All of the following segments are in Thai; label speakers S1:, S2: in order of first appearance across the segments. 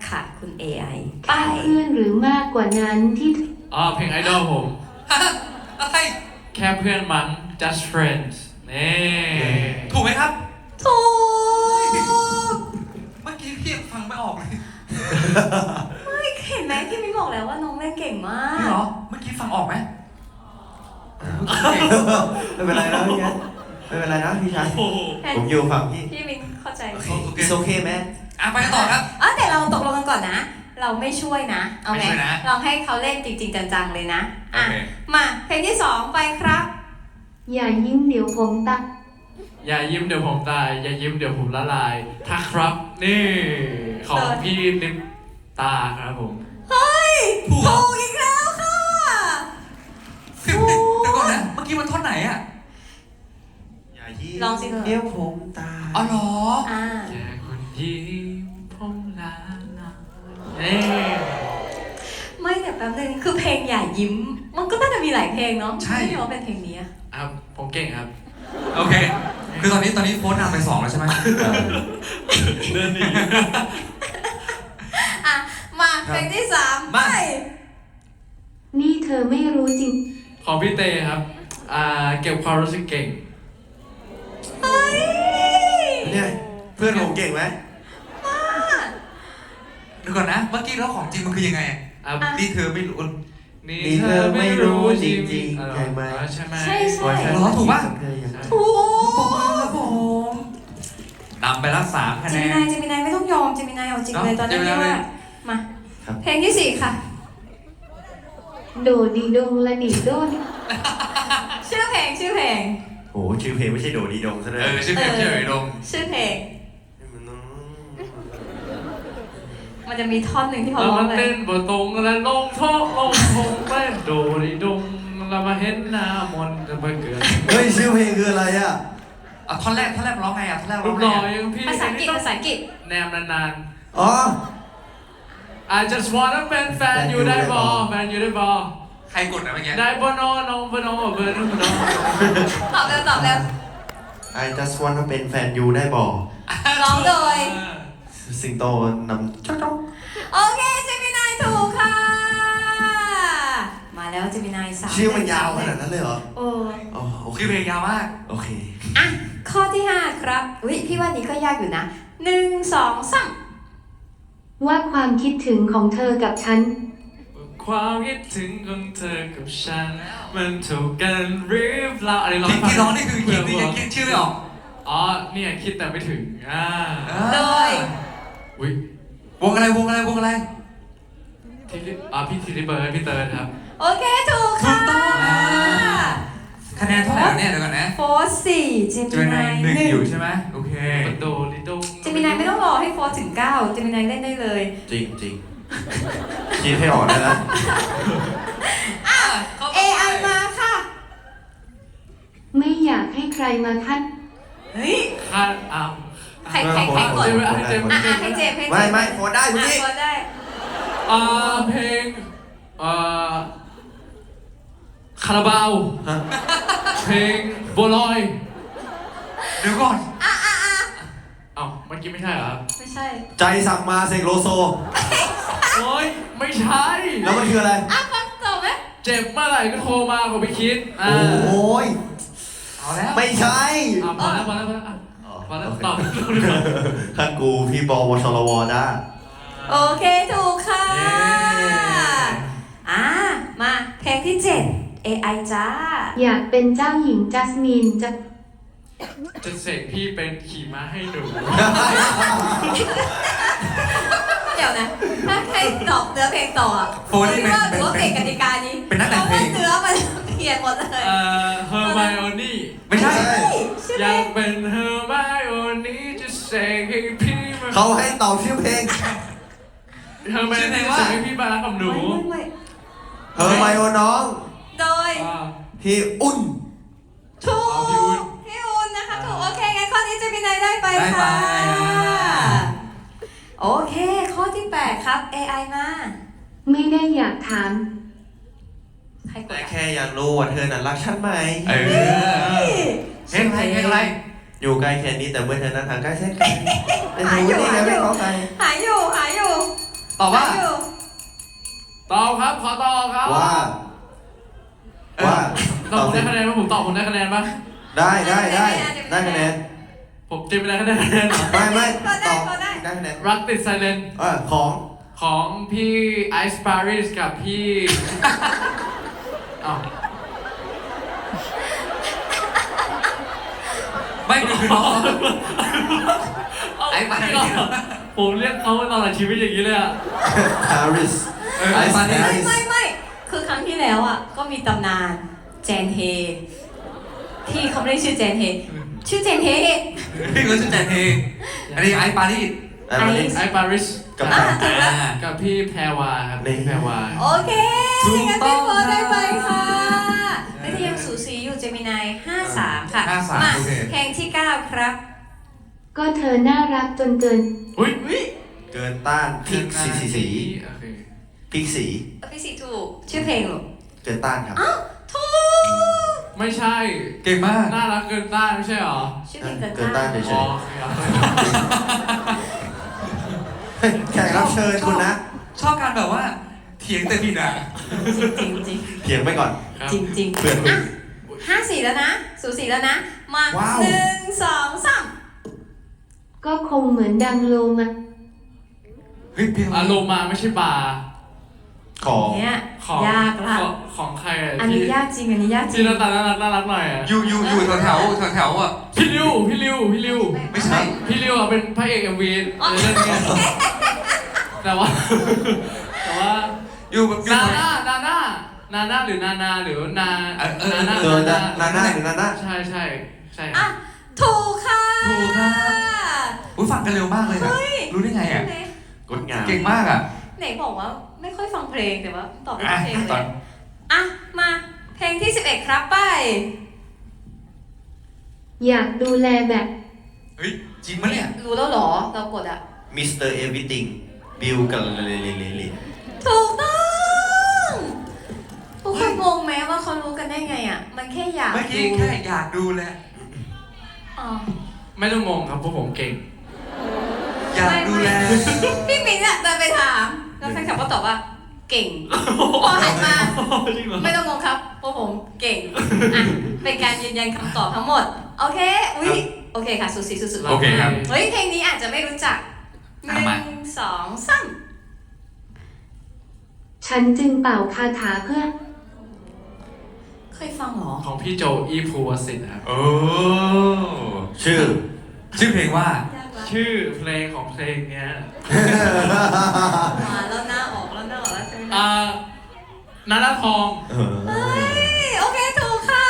S1: ค่ะคุณ AI ไป
S2: เพื่อนหรือมากกว่านั้นที่
S3: เพลงไอดอลผม
S4: อะไร
S3: แค่เพื่อนมั้ง just friends นี่
S4: ถูกไหมครับ
S1: ถูก
S4: เมื่อกี้พี่ฟังไม่ออกเลย
S1: ไม่เห็นไหมพี่มิ้งบอกแล้วว่าน้องเล่นเก่งมา
S4: นี่
S1: ก
S4: เหรอ เมื่อกี้ฟังออกไหม
S5: ไม่เป็นไรนะพี่แคทไม่เป็นไรนะพี่ชาย
S3: โอ้โห
S5: ผมอยู่ฝั่งพี่
S1: พี่มิ้งเข้าใจ
S4: โอเค
S5: It's okay man
S4: ไปกันต่อครับ
S1: แต่เราตกลงกันก่อนนะ เราไม่ช่วยนะเอา
S4: ไม่
S1: ไง
S4: ช่วยนะ
S1: ลองให้เขาเล่นจริงๆจังๆเลยนะ
S4: โอเค
S1: มาเพลงที่สองไปครับ
S2: อย่ายิ้มเดี๋ยวผมตัก
S3: อย่ายิ้มเดี๋ยวผมตาย อย่ายิ้มเดี๋ยวผมละลายถ้าครับ นี่ ของพี่นิมตาครับผม
S1: เฮ้ย
S4: ถูกเหรอ
S1: ถูกอีกแล้วค่ะ
S4: เดี๋ยวก่อนนะ เมื่อกี้มันท่อนไหนอ่ะ
S5: อย่ายิ้ม
S1: ลองสิเถอะ
S5: เดี๋ยวผมตาย
S4: อ๋อเหรอ
S3: แค่คนยิ้มผมละลายนี่
S1: ไม่แต่แป๊บนึงคือเพลงอย่ายิ้ม มันก็น่าจะมีหลายเพลงเนาะ
S4: ใช่
S1: ไม่รู้ว่าเป็นเพลงนี้อะ
S3: ผมเก่งครับ
S4: โอเค คือตอนนี้โค้ชนำไป2แล้วใช่ไหม
S3: เดินหนี
S1: มาเพลงที่สามไป
S4: มา
S2: นี่เธอไม่รู้จริง
S3: ของพี่เตครับ เก็บความรู้สึกเก่ง
S1: เฮ้ย
S5: เนี่ยเพื่อนผมเก่งไหม
S4: เดี๋ยวก่อนนะ เมื่อกี้แล้วของจริงมันคือยังไงอะ
S3: อ่ะ
S4: นี่เธอไม่รู้
S3: นี่
S5: นี่
S3: เธ
S5: เธ
S3: อ
S5: อ
S3: ไม่
S5: ไม่
S3: รู้
S5: รู้
S3: จ
S5: จ
S3: ริ
S5: ริ
S3: ง
S5: ง
S3: ๆ
S5: ๆใช่ไหม
S3: ใช่ไหม
S1: ใช่ใช่
S5: ว่าฉัน
S4: เหรอถูกปะ
S5: เธออย่างนั้น
S1: ถูก
S4: ปรบมือครับผมนำไปละ3คะแนน
S1: เจมินายไม่ต้องยอมเจมินายเอาจริงเลย
S4: เนอะ
S1: ตอนนี้
S4: เจมินาย
S1: ว่า
S4: เลย
S1: มา เพลงที่สี่ค่ะ
S2: โดดีดงละดีโดน
S1: ชื่อเพลง
S5: โอ้โหชื่อเพลงไม่ใช่โดดีดงซะด้วย
S4: ชื่อเพลงชื่อไอ้ดง
S1: ชื่อเพลง มันจะมีท่อนหนึ่งที่เขา
S3: เรา
S1: ร้อง
S3: มา
S1: เล
S3: เต้
S1: ย
S3: นบนตรงและลงโทษลงทงเต้นโดดิดงเรามาเห็นหน้ามนต์จะมาเกิด
S5: เฮ้ยชื่อเพลงคืออะไรอ่ะ
S4: ท่อนแรกมันร้องไงท่อนแรก
S3: รู
S4: ร้อง
S3: ป
S4: ไง
S3: หล่อ
S4: อะ
S3: อย่างพี่
S1: ภาษาอังกฤษภาษาอังกฤษ
S3: แนมนาน
S5: อ๋อ
S3: ๆ I just wanna เป็นแฟนอยู่ได้บอแฟนอยู่ได้บอ
S4: ใครกดนะเมื่อกี้
S3: ได้บอนอนองบอนอเบอร์นึงบอนอ
S1: ตอบเร็ว
S5: I just wanna เป็นแฟนยูได้บอก
S1: ร้องโดย
S5: สิงโตนำจ๊อก
S1: โอเคเจมินายถูกค่ะ มาแล้วเจมินายสาม
S5: ชื่อมันยาวขนาดนั้นเลยเหรอ
S1: โอ้
S5: อ๋อโอเค
S4: ชื่อเพลงยาวมาก
S5: โอเค
S1: อ่ะข้อที่ห้าครับอุ้ยพี่ว่านี้ก็ยากอยู่นะ1 2 3
S2: ว่าความคิดถึงของเธอกับฉัน
S3: ความคิดถึงของเธอกับฉัน มันถูกกันหรือเปล่าอะไรร้อง
S4: ที่ร้องนี่คือคิดนี่ยังคิดชื่อไม่ออก
S3: เนี่ยคิดแต่ไม่ถึง
S1: โดย
S3: อุ้ยว
S4: งอะไร
S3: พี่ธีริเบิร์ดพี่เติร์ดครับ
S1: โอเคถูกค่ะ
S4: คะแนนเท่าไหร่แล้วเนี่ยเดี๋ยวก่อนนะ
S1: โฟร์สี่เจ
S4: เจ
S1: มิ
S4: มินาน
S1: าย ย
S4: 1
S1: 1
S4: อยู่ใช่ไหมโอเค
S3: มันโดดิดง
S1: เจมินายไม่ต้องรอให้โฟร์ถึง9เจมินายเล่นได้เลย
S5: จริงจริงคิดให้ออกได้แล้ว
S1: AI มาค่ะ
S2: ไม่อยากให้ใครมาคัด
S1: เฮ้ย
S3: คาดอัม
S1: ใครกด
S3: เจมส์เจมส์
S1: ให้เจมส์
S5: ไม่โฟนได้คุณพี่
S1: โฟร์ได้
S3: เพลงคาราบาว
S5: ฮะ
S3: เพลงบัวลอย
S4: เดี๋ยวก่อน
S3: เมื่อกี้ไม่ใช่เหรอ
S1: ไม่ใช่
S5: ใจสั่งมาเสกโลโซ
S3: โอ้ยไม่ใช่
S5: แล้วมันคืออะไร
S1: ฟังจบไหม
S3: เจ็บเมื่อไหร่ก็โทรมาผมไปคิด
S5: โอ้ย
S4: เอาแล้ว
S5: ไม่ใช่
S3: พอแล้วตอบ
S5: ท่านกูพี่บอวชรวได้
S1: โอเคถูกค่ะ มาเพลงที่ 7 AI จ้า
S2: อยากเป็นเจ้าหญิงจัสมินจะ
S3: จะเสกพี่เป็นขี่ม้าให้หนู
S1: เดี๋ยวนะ ถ้าใครตอบเนื้อเพลงต่ออ่ะ
S4: โฟนนี่
S1: คิดว่าถือว่าเก่งกติกานี้
S4: เป็นนักแต่งเพลง
S1: พราะว่าเนื้อมันเขียนหมดเลย
S3: เฮอร์ไมโอนี่
S4: ไม่ใช่
S1: ชื่อ
S3: อ
S1: เพล
S3: ยาก
S1: ง
S3: เป็นเฮอร์ไมโอนี่จะเสกให้พี่มา
S5: เขาให้ตอบชื่อเพลง
S3: เฮอร์ไมโอนี่จะเสกให้พี่มารักกับหนู
S1: ไม่
S5: เฮอร์ไมโอน้อง
S1: โดย
S5: พี่อุ่น
S1: ถูก
S3: พี่อุ่น
S1: พี่อุ่นนะคะถูกโอเคงั้นข้อนี้เจะมีนายได้ไป
S4: ได้ไป
S1: ค่ะ โอเค ข้อที่ 8 ครับ AI มา
S2: ไม่ได้อยากถาม
S1: ใครก
S5: แต่
S1: ด
S5: แค่อยากรู้ว่าเธอนั้นรักฉันไหม
S4: เออเพลงอะไร
S5: อยู่ใกล้แค่นี้แต่เมื่อเธอนั้นห่างไกลแสนไกลแต่เธอไม่ได้ไงไม่เข้าใจ
S1: หายอยู่
S4: ตอบว่า
S1: อยู่
S3: ตอบครับ ขอตอบครับ
S5: ว่า ว่า
S3: ตอบผมได้คะแนนป่ะผมตอบผมได้คะแนนป่ะ
S5: ได้คะแนน
S3: ผมจริงไม่ได้คะแนนเหรอ
S5: ไม่
S1: ก็
S5: ต
S1: ได้
S5: อบ
S1: ก็ได้
S5: ได้คะแนน
S3: รักติดไซเลน
S5: ของ
S3: ของพี่ไอซ์ปาริสกับพี่ อ้าว
S4: ไม่มีน้องไอ้ปาริส
S3: ผมเรียกเขาตลอดชีวิตอย่างนี้เลยอ่ะ
S5: ปาริส
S4: ไอ้ปาริส
S1: ไม่คือครั้งที่แล้วอ่ะก็มีตำนานแจนเฮที่เขาไม่ได้ชื่อแจนเฮชื่อเจนเฮ
S4: พี่ก็ชื่อแจนเองอันนี้ไอ้ปาริส
S5: ปาริส
S3: ไอซ์ปาริส
S5: กับ
S1: ถูกแล้ว
S3: กับพี่แพรวาครับ
S5: นี่
S3: พี่แพรวา
S1: โอเค
S4: ถูก
S1: งั้น
S4: ต้
S1: พี่
S4: อง
S1: โฟได้ไปค่ะและที่ยังสูสีอยู่เจมินาย53 ค่ะ
S4: 53
S1: มา
S4: โอเค
S1: เพลงที่ 9 ครับ
S2: ก็เธอน่ารักจนเกิน
S3: อุ้ย
S5: เกินต้านพริกสี
S3: โอเค
S5: พริกสี
S1: พี่สีถูก ชื่อเพลงหรอ
S5: เกินต้านครับ
S1: ถูก
S3: ไม่ใช่
S4: เก่งมาก
S3: น่ารักเกินต้านไม่ใช่หรอ
S1: ชื่อเพลงเกิน
S5: เกินต้า
S1: ต้าน น
S5: เฉ
S3: อ๋อย โอเคครับ
S5: ๆแขกรับเชิญคุณนะ
S4: ชอบการแบบว่าเถียงแต่ผิดอ่ะ
S1: จริงจริง
S5: เถียงไปก่อน
S3: ครับ
S1: จริงจริง
S5: เพื่อนคุณ
S1: 54 แล้วนะ สูสีแล้วนะ มา
S5: ว้าว
S1: 1 2 3
S2: ก็คงเหมือนดังโลมา
S4: เฮ้ยเพลง
S3: อารมณ์มาไม่ใช่บาร์
S5: ของ
S1: เนี่ย
S3: ของ
S1: ยากละ
S3: ของใครอะ
S1: อันนี้ยากจริง อันนี้ยากจริ
S3: ที่
S1: ง
S3: หน้าตาน่ารักหน่อยอะ
S4: อยู่แถวอ่ะ
S3: พี่ริว
S4: ไม่ใช่
S3: พี่ริวอะเป็นพระเอกเอ็มวีในเรื่องนี้แต่ว่า
S4: อยู่แบบ
S3: นาน่าหรือนานาหรือนา
S5: ตัวนาน่าหรือนาน่า
S3: ใช่
S1: อ่ะ ถูกค่ะ
S4: ถูกครับอุ้ยฟังกันเร็วมากเลยนะรู้ได้ไงอ่ะ
S5: งดงาม
S4: เก่งมากอ่ะ
S1: ไหนบอกว่าไม่ค่อยฟังเพลงแต่ว่าตอบไม่
S4: อ่ะ
S1: เพลงเล
S4: ตอน
S1: ยอ่ะ มาเพลงที่ 11 ครับไป
S2: อยากดูแลแบบ
S4: เฮ้ยจริงปะเนี่ย
S1: รู้แล้วเหรอ เรากดอ่ะ
S5: มิสเตอร์เอวิติงบิลกับเล
S1: ถูกต้อง ทุกคนงงไหมว่าเขารู้กันได้ไงอ่ะ มันแค่อยาก
S4: เมื่อกี้
S1: ดู
S4: แค่อยากดูแหละ
S1: อ๋อ
S3: ไม่ต้องงงครับเพราะผมเก่ง
S4: อยากดูแล
S1: พี่มิ้นท์อะเดินไปถาม แล้วแฟนคลับก็ตอบว่า เก่ง พอหันมา
S3: จริงเหรอ
S1: ไม่ต้องงงครับเพราะผมเก่ง อ่ะ เป็นการยืนยันคำตอบทั้งหมด โอเค อุ๊ย โอเคค่ะ สุดสีสุดๆ
S4: โอเคครับ
S1: เฮ้ย เพลงนี้อาจจะไม่รู้จักห
S4: อ่ะ
S1: นึ่
S4: มา
S1: งสองสาม
S2: ฉันจึงเป่าคาถาเพื่อ
S1: เคยฟังเหรอ
S3: ของพี่โจอีภูวสิทธิ์นะครับ
S4: โอ้
S5: ชื่อ
S4: ชื่อเพลงว่า
S1: ยากละ
S3: ชื่อเพลงของเพลงเนี้ย
S1: มาแล้วหน้าออกแล้วใช่ไหมนะ
S3: นาราทอง
S1: เฮ้ย โอเค ถูกค่ะ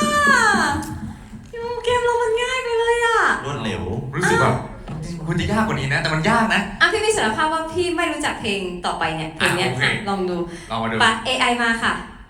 S1: เกมเรามันง่ายไปเลยอ่ะ
S5: รวดเร็ว
S4: รู้สึกแบบคุณจะยากกว่านี้นะ แต่มันยากนะ
S1: อ่ะพี่มีสารภาพว่าพี่ไม่รู้จักเพลงต่อไปเนี่ย เพลงเนี้ย
S4: โอเค
S1: อ่ะลองดู
S4: ลองมาดู
S1: ปะ AI มาค่ะ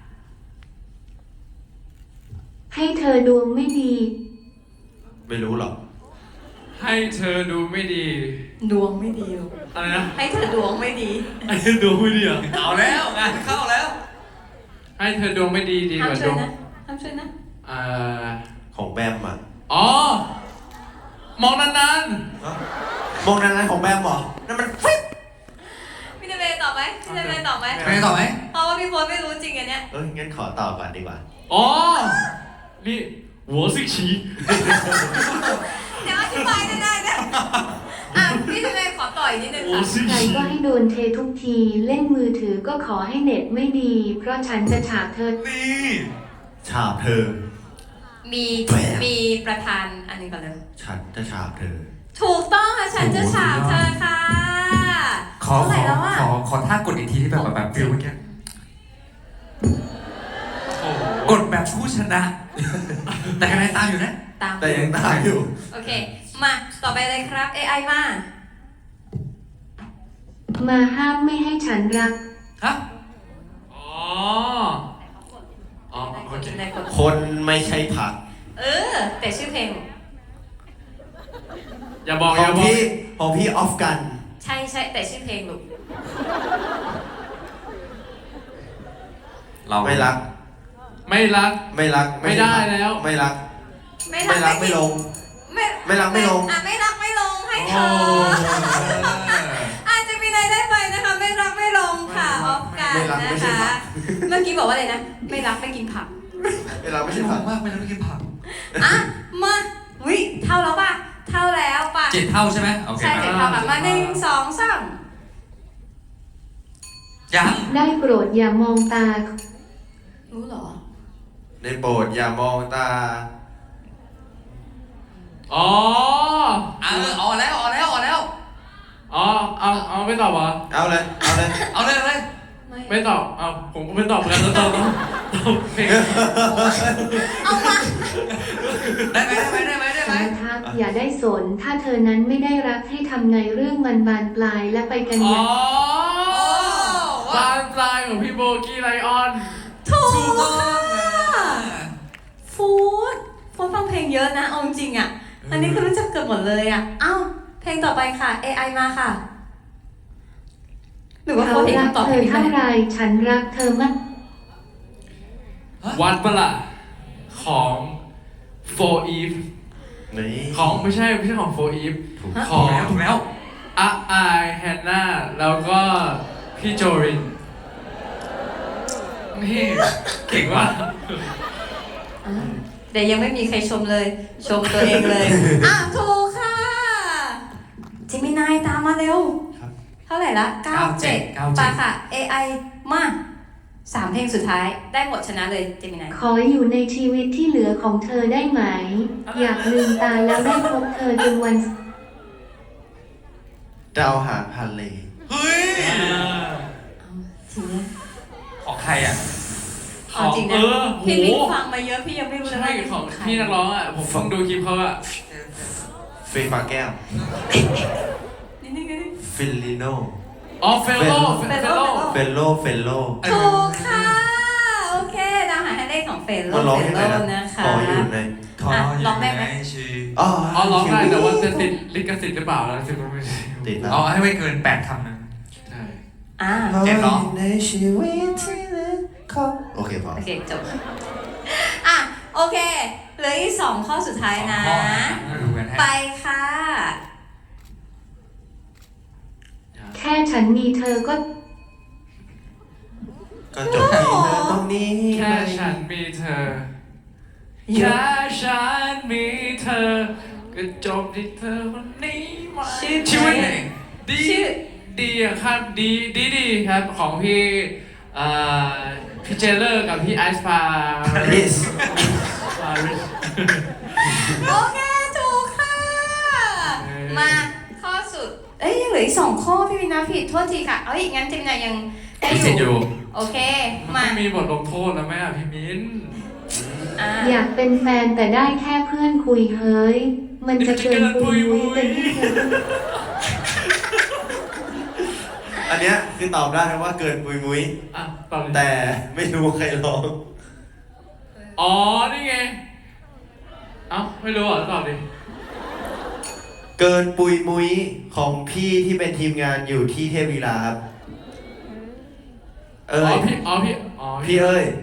S2: ให้เธอดวงไม่ดี
S5: ไม่รู้หรอก
S3: ให้เธอดูไม่ดี
S1: ดวงไม่ดีหรอก
S3: อะไรนะ
S1: ให้เธอดวงไม่ดี
S3: ให้เธอดูไม่ดีเหรอ
S4: เอาแล้วงานเข้าแล้ว
S3: ให้เธอดวงไม่ดีดี
S1: ห้าก ม
S3: ว่า
S1: ช่
S3: ด
S1: วยว
S3: ง
S1: นะห้ามช่วยนะ
S5: ของแบมอ่ะ
S3: อ๋อ มองนาน
S5: มองนั้นของแบมเหรอ นั่นมันฟิป
S1: พี่เดเบตอบไหมพี่เดเบตอบไหม
S4: ไปต่อไหม
S1: เพราะว่าพี่โฟนไม่รู้จริงอันเนี้ย
S5: งั้นขอตอบก่อนดีกว่า
S3: อ๋อ นี่หัวสิฉี
S1: เดี๋ยวอธิบายได้นะ อ่ะพี่เดเบขอต่ออีกนิดนึง
S3: หัว
S1: ค่ะ
S3: สิ
S2: ใคร
S3: ฉี
S2: ก็ให้โดนเททุกที เล่นมือถือก็ขอให้เน็ตไม่ดี เพราะฉันจะฉาบเธอ
S4: นี่
S5: ฉาบเธอ
S1: มี
S5: แหม
S1: มีประธานอันนี้ก่อนเลย
S5: ฉันจะฉาบเธอ
S1: ถูกต้องค่ะ ฉันจะฉาบเธอค่ะ
S4: ขอ
S1: เท่าไหร่แล้วอ่ะ
S4: ขอท่ากดอีกทีที่แบบฟิลเมื่อกี้
S3: โอ้โห
S4: กดแบบผู้ชนะ แต่คะแนนตามอยู่นะ
S1: ตาม
S5: แต่ยังตามอยู่
S1: โอเค มา ต่อไปเลยครับ AI มา
S2: มาห้ามไม่ให้ฉันรัก
S4: ฮะ
S3: อ๋อ อ๋อ โอเค
S1: ในคน
S5: คนไม่ใช่ผัก
S1: แต่ชื่อเพลง
S3: อย่าบอก
S5: ข
S3: อ
S5: อง
S3: ย่าบอก
S5: พี่ออฟกัน
S1: ใช่แต่ชื่อเพลงลูก
S4: เรา
S5: ไม่รัก
S3: ไม่รัก
S5: ไม่รัก
S3: ไม่ได้แล้ว
S5: ไม่รัก
S1: ไม่
S5: ไม่รักไม่ลง ไม่รักไม่ลง
S1: อ่ะไม่รักไม่ลงให้เธ
S3: โอ้
S1: อ อาจจะมีอะไรได้ไปนะคะ ไม่
S5: ไม่รักไม่
S1: นะ
S5: ใช่
S1: คะ
S5: ผัก
S1: เมื่อกี้บอกว่าอะไรนะ ไม่รักไม่กินผัก
S5: ไม่รักไม่
S4: ไม่
S5: ใช่
S4: ใช่
S5: ผั
S4: ผั
S5: ก
S4: กมากไม่ต้องกินผัก
S1: อ่ะ มาวิเท่าแล้วป่ะ เท่าแล้วป่ะ
S4: 7 เท่าใช่ไหมโอเค
S1: ใช่
S4: มา
S1: เจ็ดเท่าค่ะมา1 2 3
S4: ยัง
S2: ได้โปรดอย่ามองตา
S1: รู้เหรอ
S5: ในโปรดอย่ามองตา
S3: อ๋อ
S4: เอาแล้ว
S3: อ๋อ เอาไม่ตอบเหรอ
S5: เอาเลย เอาเลย
S4: เอาเลย
S3: ไม่ตอบ เอาผมก็ไม่ตอบเหมือนกันแล้วตอบเพลง
S1: เอามา
S4: ได้ไหม
S2: สารทักอย่าได้สน ถ้าเธอนั้นไม่ได้รักให้ทำไงเรื่องมันบานปลายและไปกัน
S3: อ๋
S2: อย่า
S3: อง บานปลายของพี่โบกี้ไลออน
S1: ถูก
S4: ถูกต้อง
S1: ฟูดฟังเพลงเยอะนะ เอาจริงอ่ะ อันนี้คือรู้จักเกือบหมดเลยอ่ะ เอ้า เพลงต่อไปค่ะ AI มาค่ะ หรือว่า
S2: เขา
S1: เขาเห็น
S2: รัก
S1: คำตอบ
S2: เธ
S1: เพล
S2: อง
S1: นี้ไหม
S2: เท่าไรฉันรักเธอมาก
S3: วัดปะล่ะของ For Eve
S5: นี่
S3: ของไม่ใช่ของ For Eve
S5: ถูก
S3: ข
S4: ถู
S3: อก ง
S4: แล้ว
S3: อาไอแฮนนาแล้วก็พี่โจริน นี่เก่งว่ะ
S1: อ่ะเดี๋ยวยังไม่มีใครชมเลย ชมตัวเองเลย อ่ะ ถูกค่ะเจมินายตามมาเร็ว
S5: ครับ
S1: เท่าไหร่ละ 97ไปค่ะ AI มา3 เพลงสุดท้าย ได้หมดชนะเลยเจมินาย
S2: ขออยู่ในชีวิตที่เหลือของเธอได้ไหม อยากลืมตาแล้วได้พบเธอจนวัน
S5: ดาวหางฮันเล
S4: เฮ้ย
S1: ทีนี้
S4: ของใครอ่ะ
S1: เอาจริงนะพี่มิ้นฟังมาเยอะพี่ยังไม่รู้เลย
S3: ใช่
S1: ว่า
S3: ของ
S1: ใคร
S3: พี่นักร้องอ่ะ ผมฟังดูคลิปเขาอ่ะ
S5: เฟย์ฟ้าแก้ว
S1: นิดนึงนิดนึง
S5: ฟิลลิโน
S3: อ๋อเฟลโล
S5: เฟลโล เฟลโล
S1: ถูกค่ะ โอเคดาวหางฮันเลของเฟลโล
S5: ก็ร้อง
S1: เฟ
S5: ยัง
S1: ล
S5: ไง
S1: โล
S5: นะ
S1: นะคะ
S5: ขออยู่ใน
S4: ขออยู่
S1: ร้องได้ไหม
S4: ในชีวิต
S5: อ๋อ
S3: อ๋อร้องได้แต่ว่าจะติดลิขสิทธิ์หรือเปล่าแล้วสิมันไม่ใช่
S5: ติดแล้ว
S4: เอาให้ไม่เกิน8 คำนะ
S3: ใช่
S1: อ่า
S4: เจ็บเหรอ
S5: ในชีวิตที่เหลือของโอเคพอ
S1: โอเคจบ อ่ะ โอเค เหลืออีก2 ข้อสุดท้ายนะ
S4: มาดูกันฮะ
S1: ไปค่ะ
S2: แค่ฉันมีเธอก็
S5: ก็จบที่เธอตรงนี้
S3: แค่ฉันมีเธอ แค่ฉันมีเธอ ก็จบที่เธอคนนี้ไหม
S1: ชื่อ
S3: ชีวิต
S1: เพลง
S3: ดี
S1: ชื่อ
S3: ดีอะครับดีครับของพี่พี่เจเลอร์กับพี่ไอซ์พา
S5: ลิส
S1: โอเค ถูกค่ะ มาข้อสุด เอ้ยยังเหลืออีก2 ข้อพี่วินาผิดโทษทีค่ะ เอาอีกงั้นเจมินายังได้
S4: มีสิทธิ์
S1: อ
S4: อยู่ ยู่
S1: โอเค
S3: มั
S1: มา
S3: นมีบทลงโทษแล้วไหมอ่ะพี่มิ้น
S1: อ่ะ
S2: อยากเป็นแฟนแต่ได้แค่เพื่อนคุยเฮ้ย มันจะเกินปุยมุ้ยเป็นที่เธอ
S5: อันเนี้ยคือตอบได้นะว่าเกินปุยมุ้ย
S3: อ่ะตอบเลย
S5: แต่ไม่รู้ใครร้อง
S3: อ๋อ นี่ไง เอ้า ไม่รู้เหรอตอบดิ
S5: เกินปุยมุ้ยของพี่ที่เป็นทีมงานอยู่ที่เทพวีลาครับ
S3: อ๋อพี่อ๋อ
S5: พี่เอ้ย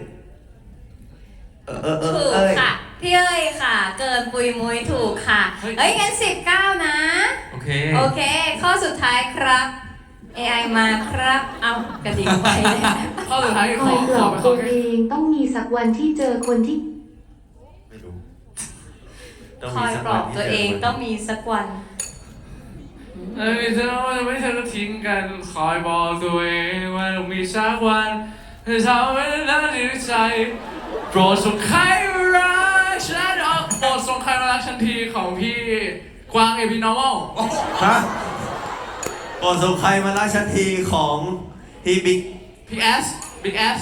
S1: ถูก
S5: เอ้ย
S1: ค่ะ พี่เอ้ยค่ะ เกินปุยมุยถูกค่ะ เอ้ยงั้น19 นะ
S4: โอเค
S1: โอเค ข้อสุดท้ายครับ AI มาครับ เอากระดิ่งไปเลย
S3: ข้อสุดท้าย
S2: ค
S3: ข
S2: อ
S3: อย
S2: ปล
S3: ข
S2: อ
S3: อบ ไปข
S2: ตั
S3: อ
S2: ว
S3: แค่
S2: เองต้องมีสักวันที่เจอคนที่
S5: ไม่รู้ต้อง
S1: ค
S5: มี
S1: อย
S5: สัก
S1: ปล
S5: วั
S1: อน บ
S5: ที่
S1: ตัว
S5: จ
S1: เองต้องมีสักวัน
S3: ไม่เธอว่าไม่เธอจะทิ้งกัน คอยบอกตัวเองว่าต้องมีสักวันเธอทำให้ฉันดีใจ โปรดส่งใครมารักฉันออกโปรดส่งใครมารักฉันทีของพี่กวางเอพีนอร์มอล
S5: ฮะก่อนส่งใครมารักฉันทีของพี่บิ๊ก
S3: พี่แอสบิ๊กแอส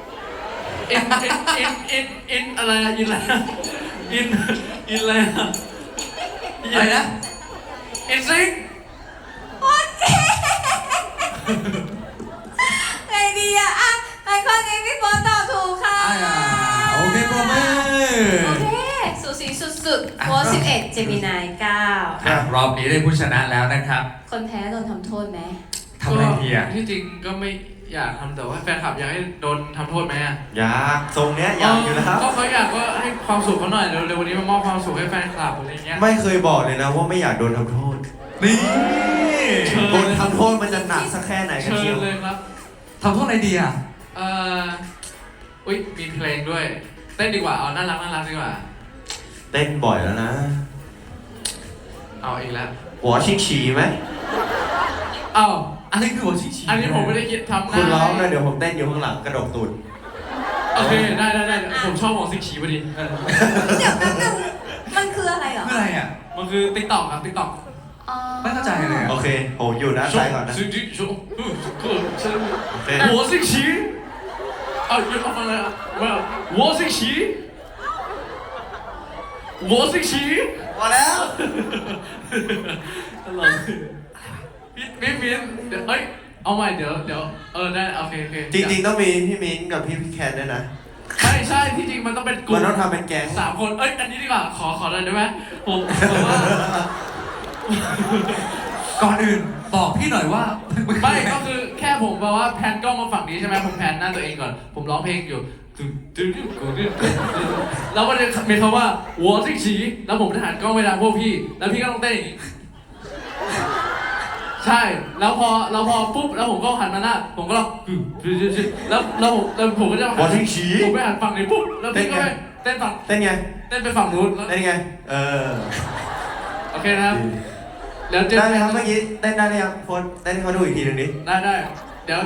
S3: อินอะไรนะอินอะไรนะอินอะไรนะ
S4: อะไรนะ
S3: อินซิง
S1: โอเคไงดีอะอ่ะไอข้อนี้พี่โบตอบถูกค่ะ
S4: โอเคปรบมือ
S1: โอเคสูสีสุดๆโบ11 เจมินาย9
S4: อ่ะรอบนี้ได้ผู้ชนะแล้วนะครับ
S1: คนแพ้โดนทำโทษไหม
S4: ทำอะไรดีอ่ะ
S3: ที่จริงก็ไม่อยากทำแต่ว่าแฟนคลับอยากให้โดนทำโทษไหมอ่ะ
S5: อยากทรงเนี้ยอยากอยู่นะครับ
S3: ก็เขาอยากก็ให้ความสุขเขาหน่อยเร็วๆวันนี้มามอบความสุขให้แฟนคลับอะไรเงี้ย
S5: ไม่เคยบอกเลยนะว่าไม่อยากโดนทำโทษ
S4: นี่
S5: โดนทำโทษมันจะหนักสักแค่ไหนกัน
S3: เชิ
S5: เชีย
S3: ญ
S5: ว
S3: เลยครับ
S4: ทำโทษอะไรดีอ่ะ
S3: เอ่ออุ้ยมีเพลงด้วยเต้นดีกว่าเอาน่ารักดีกว่า
S5: เต้นบ่อยแล้วนะ
S3: เอาอีกแล้ว
S5: หัวชิงฉีไหม
S3: เอา
S4: อะไรคือหัวชิงฉี
S3: อันนี้ผมไม่ได้คิดทำหน้า
S5: คุณร้องเลยเดี๋ยวผมเต้นอยู่ข้างหลังกระดกตูด
S3: โอเคได้ผมชอบของสิงขีพอดี
S1: เดี๋ยวแป๊บนึงมันคืออะไรเหรอ
S4: คืออะไรอ่ะ
S3: มันคือติ๊กต็อกครับติ๊กต็อก
S1: อ๋อ
S4: ไม่เข้าใจเลยอะ
S5: โอเคผมอยู่ด้านซ้ายก่อนนะ
S3: สิงขีชก็ฉัน
S5: โอเค
S3: หัวสิงขีเอาหยุดเอาฟังเลยอ่ะว่าหัวสิงขีหัวสิงขี
S5: พอแล้ว
S3: ตลกพี่เดี๋ยวเฮ้ยเอาใหม่เดี๋ยวได้โอเค
S5: จริงๆต้องมีพี่มิ้นท์กับพี่แคนด้วยนะ
S3: ใช่ที่จริงมันต้องเป็นกลุ่
S5: มัน
S3: ม
S5: ต้องทำเป็นแก๊ง
S3: 3 คนเอ้ยอันนี้ดีกว่าขอหน่อยได้ไหมผมว่า
S4: ก่อนอื่นบอกพี่หน่อยว่า
S3: ไม่ก็คือแค่ผมบอกว่าแพนกล้องมาฝั่งนี้ใช่ไหมผมแพนหน้าตัวเองก่อนผมร้องเพลงอยู่แล้วก็จะมีคำว่าหัวซิกฉีแล้วผมจะหันกล้องไปทางพวกพี่แล้วพี่ก็ต้องเต้นอย่างนี้ใช่แล้วพอปุ๊บแล้วผมก็หันมาหน้าผมก็ร้องแล้วผมก็จะ
S5: หัวชิงฉี
S3: ผมไปหันฝั่งนี้ปุ๊บแล้วพี่ก็ไปเต้นฝั่ง
S5: เต้นไง
S3: เต้นไปฝั่งนู้นแล้ว
S5: เต้นไง เออ
S3: โอเคนะครับแล้วเจอ
S5: ได้ไหมครับเมื่อกี้เต้นได้ไหมครับโฟนเต้นให้เขาดูอีกทีหนึ่งดิ
S3: ได้เดี๋ยว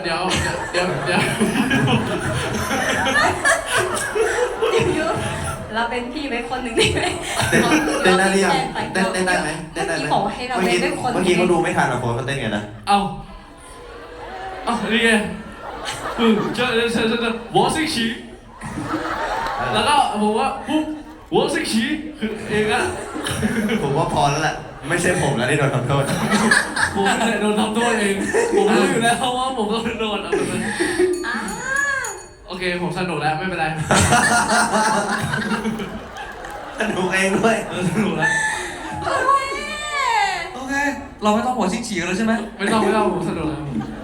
S1: เราเป็นพี่ไปคนหนึ่งได้ไหม
S5: เต้นได้หรือยังเต้นได้ไหม
S1: เมื่อกี้บอกว่าให้เราเล่นด้วยคน
S5: เมื่อกี้เขาดูไม่ทันหรอกโฟนเขาเต้นไงนะ
S3: เอานี่ไงเจอหัวซิกฉีแล้วก็ผมว่าปุ๊บหัวซิกฉีคือเองอะ
S5: ผมว่าพอแล้วแหละ ไม่ใช่ผมแล้วที่โดนทำโทษ
S3: ผมเนี่ยโดนทำโทษเองผมรู้อยู่แล้วว่าผมต้องโดนเอาไปเลย
S1: อ่า
S3: โอเคผมสนุกแล้วไม่เป็นไร
S5: สนุกเองด้วย
S3: สนุกแล้ว
S1: โอเค
S4: โอเค เราไม่ต้องหัวชิงฉีกันแล้วใช่ไหม
S3: ไม่ต้องผมสนุกแล้ว